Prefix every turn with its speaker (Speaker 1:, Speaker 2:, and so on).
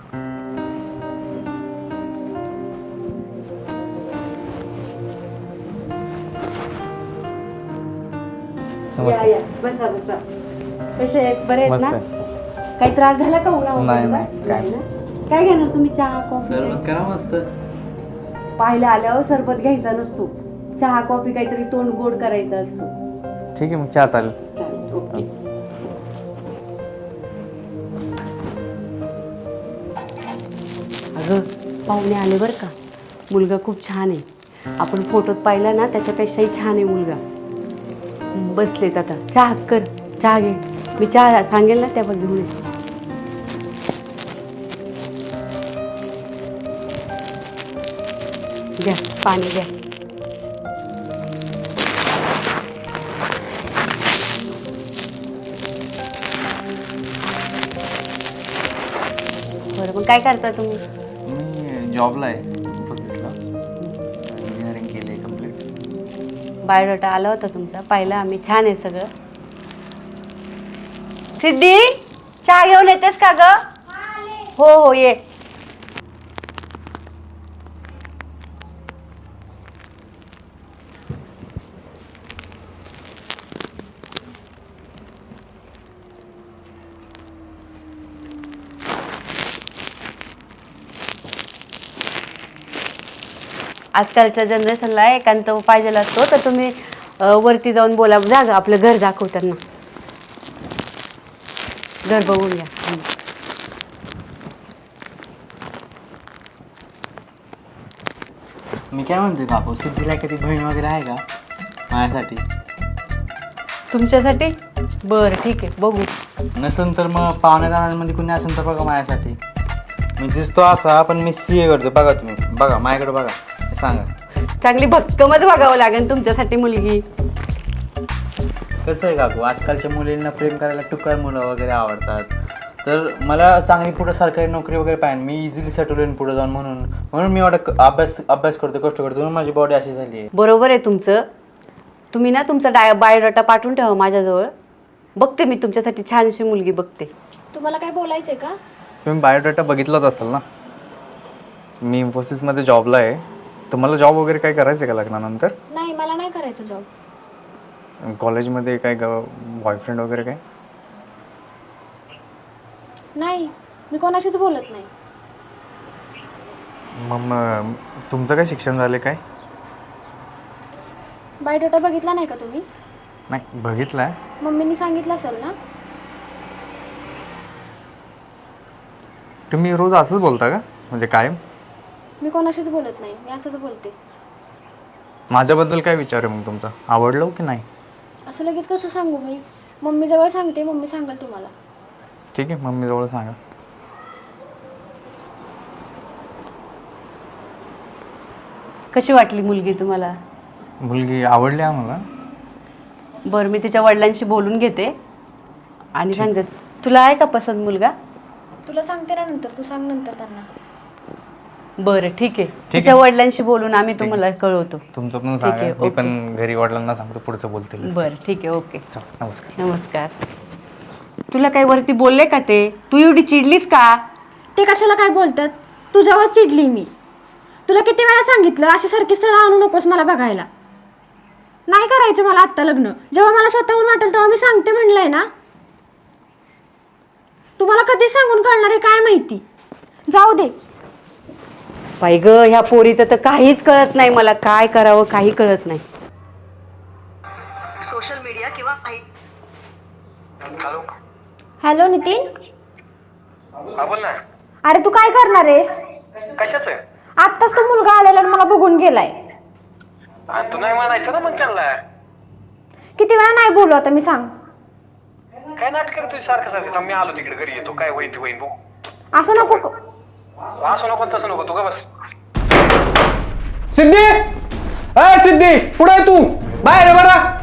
Speaker 1: या बसा बसा. कसे आहेत? बरे आहेत ना? काही त्रास झाला का उन्हामुळे? काय घेणार तुम्ही? चहा कॉफी?
Speaker 2: सरबत करा मस्त.
Speaker 1: पाहिलं आल्यावर सरबत घ्यायचा नसतो, चहा कॉफी काहीतरी तोंड गोड करायचं असतं.
Speaker 2: ठीक आहे मग चहा चालेल.
Speaker 1: ओके. अगं पाहुणे आले बरं का. मुलगा खूप छान आहे. आपण फोटोत पाहिला ना त्याच्यापेक्षाही छान आहे मुलगा. बसलेत आता. चहा कर, चहा घे. मी चहा सांगेल ना त्यावर घेऊन ये. घ्या पाणी घ्या. बरं मग काय करता तुम्ही?
Speaker 2: मी जॉबला आहे ऑफिसला. इंजिनिअरिंग केली आहे कम्प्लीट.
Speaker 1: बायोडाटा आला होता तुमचा, पाहिला आम्ही. छान आहे सगळं. सिद्धी चहा घेऊन येतेस का ग? हो हो ये. आजकालच्या जनरेशनला एकांत पाहिजे असतो, तर तुम्ही वरती जाऊन बोला. जा ग, आपलं घर दाखव त्यांना. घर बघून घ्या.
Speaker 2: मी काय म्हणतोय काकू, सिद्धीला कधी बहीण वगैरे आहे का माझ्यासाठी?
Speaker 1: तुमच्यासाठी? बरं ठीक आहे, बघू.
Speaker 2: नसेल तर मग पाहुण्यादारांमध्ये कुणी असेल तर बघा माझ्यासाठी. मी दिसतो असा, पण मी CA करतो. बघा तुम्ही, बघा माझ्याकडे बघा, सांगा.
Speaker 1: चांगली भक्कमच बघावं लागेल तुमच्यासाठी मुलगी.
Speaker 2: कसं आहे काकू, आजकालच्या मुलींना प्रेम करायला टुकार मुलं वगैरे आवडतात. तर मला चांगली पुढं सरकारी नोकरी वगैरे पाहिजे. मी इझिली सेटल होईन पुढे जाऊन, म्हणून मी एवढा अभ्यास करतो, कष्ट करतो, म्हणून माझी बॉडी अशी झाली आहे.
Speaker 1: बरोबर आहे तुमचं. तुम्ही ना तुमचा बायोडाटा पाठवून ठेवा माझ्याजवळ. बघते मी तुमच्यासाठी छानशी मुलगी बघते.
Speaker 3: तुम्हाला काय बोलायचंय का?
Speaker 4: तुम्ही बायोडाटा बघितलाच असाल ना. मी इन्फोसिसमध्ये जॉबला आहे. तुम्हाला जॉब वगैरे काय करायचं आहे का लग्नानंतर?
Speaker 3: नाही, मला नाही करायचं जॉब.
Speaker 4: कॉलेजमध्ये काय बॉयफ्रेंड वगैरे काय?
Speaker 3: नाही, मी कोणाशीच बोलत नाही.
Speaker 4: मग तुमचं काय शिक्षण झालं काय?
Speaker 3: बायोडाटा बघितला नाही का तुम्ही?
Speaker 4: नाही बघितलं आहे.
Speaker 3: मम्मीनी सांगितलं असेल ना.
Speaker 4: तुम्ही रोज असंच बोलता का, म्हणजे कायम?
Speaker 3: मी कोणाशीच बोलत नाही, मी असंच बोलते.
Speaker 4: माझ्याबद्दल काय विचार आहे मग तुमचा? आवडलं की नाही?
Speaker 3: असं लगेच कसं सांगू मी? मम्मीजवळ सांगते, मम्मी सांगाल तुम्हाला.
Speaker 4: ठीक आहे, मम्मीजवळ सांगा.
Speaker 1: कशी वाटली मुलगी तुम्हाला?
Speaker 4: मुलगी आवडली आम्हाला.
Speaker 1: बरं मी तिच्या वडिलांशी बोलून घेते आणि सांगते. तुला आहे का पसंत मुलगा?
Speaker 3: तुला सांगते ना नंतर, तू सांग नंतर त्यांना.
Speaker 1: बरं ठीक आहे, तिच्या वडिलांशी बोलून आम्ही तुम्हाला कळवतो.
Speaker 4: तुमचं पण सांगा, मी पण घरी वडिलांना सांगतो, पुढचं बोलतील.
Speaker 1: बरं ठीक आहे, ओके.
Speaker 4: नमस्कार.
Speaker 1: नमस्कार. तुला काही वरती बोलले का ते? तू एवढी चिडलीस का?
Speaker 3: ते कशाला काय बोलतात? तुझ्यावर चिडली मी. तुला किती वेळा सांगितलं अशी सारखी स्थळं आणू नकोस मला बघायला. नाही करायचं मला आत्ता लग्न. जेव्हा मला स्वतःहून वाटेल तेव्हा मी सांगते म्हणलंय ना. तुम्हाला कधी सांगून कळणार आहे काय माहिती. जाऊ दे.
Speaker 1: बाई ग, ह्या पोरीचं तर काहीच कळत नाही मला. काय करावं काही कळत नाही.
Speaker 5: सोशल मीडिया किंवा हॅलो
Speaker 3: हॅलो नितीन.
Speaker 5: हा बोल ना.
Speaker 3: अरे तू काय करणार आहेस?
Speaker 5: कशाच?
Speaker 3: आत्ताच तो मुलगा आलेला आणि मला बघून गेलाय.
Speaker 5: तू नाही म्हणायचं ना मग त्यांना.
Speaker 3: किती वेळा नाही बोलू आता मी, सांग.
Speaker 5: काय नाटक करतोय सारखं सारखं? मी आलो तिकडे घरी येतो. काय होईन ते होईन बघू.
Speaker 3: असं नको.
Speaker 5: असं नको तसं नको, तू का बस.
Speaker 6: सिद्धी, अय सिद्धी, पुढे तू बाहेर बरा.